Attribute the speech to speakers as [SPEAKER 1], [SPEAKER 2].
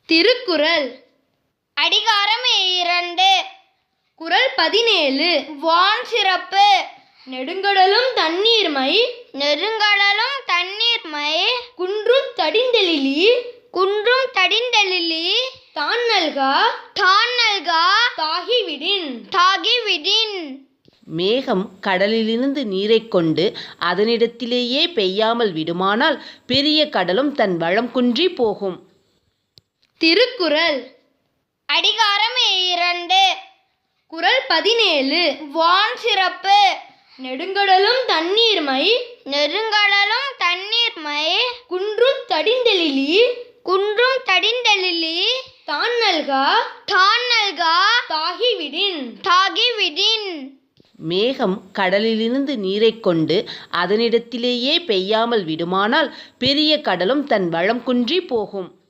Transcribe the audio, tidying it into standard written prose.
[SPEAKER 1] திருக்குறள்
[SPEAKER 2] அதிகாரம் 2.
[SPEAKER 1] குறள் 17.
[SPEAKER 2] வான் சிறப்பு.
[SPEAKER 1] நெடுங்கடலும் தண்ணீர்மை
[SPEAKER 2] நெடுங்கடலும் தண்ணீர்மை
[SPEAKER 1] குன்றும் தடிந்தெழிலி
[SPEAKER 2] குன்றும் தடிந்தெழிலி
[SPEAKER 1] தான் நல்கா
[SPEAKER 2] தான் நல்கா
[SPEAKER 1] தாகிவிடின்.
[SPEAKER 2] தாகிவிடின்.
[SPEAKER 3] மேகம் கடலிலிருந்து நீரைக் கொண்டு அதனிடத்திலேயே பெய்யாமல் விடுமானால் பெரிய கடலும் தன் வளம் குன்றி போகும்.
[SPEAKER 1] திருக்குறள்
[SPEAKER 2] அதிகாரம் 2.
[SPEAKER 1] குறள் 17.
[SPEAKER 2] வான் சிறப்பு.
[SPEAKER 1] நெடுங்கடலும் தண்ணீர்மை
[SPEAKER 2] நெடுங்கடலும் தண்ணீர்மை
[SPEAKER 1] குன்றும் தடிந்தெழிலி
[SPEAKER 2] குன்றும் தடிந்தெழிலி
[SPEAKER 1] தான் நல்கா
[SPEAKER 2] தான் நல்கா
[SPEAKER 1] தாகிவிடின்.
[SPEAKER 2] தாகிவிடின்.
[SPEAKER 3] மேகம் கடலிலிருந்து நீரைக் கொண்டு அதனிடத்திலேயே பெய்யாமல் விடுமானால் பெரிய கடலும் தன் வளம் குன்றி போகும்.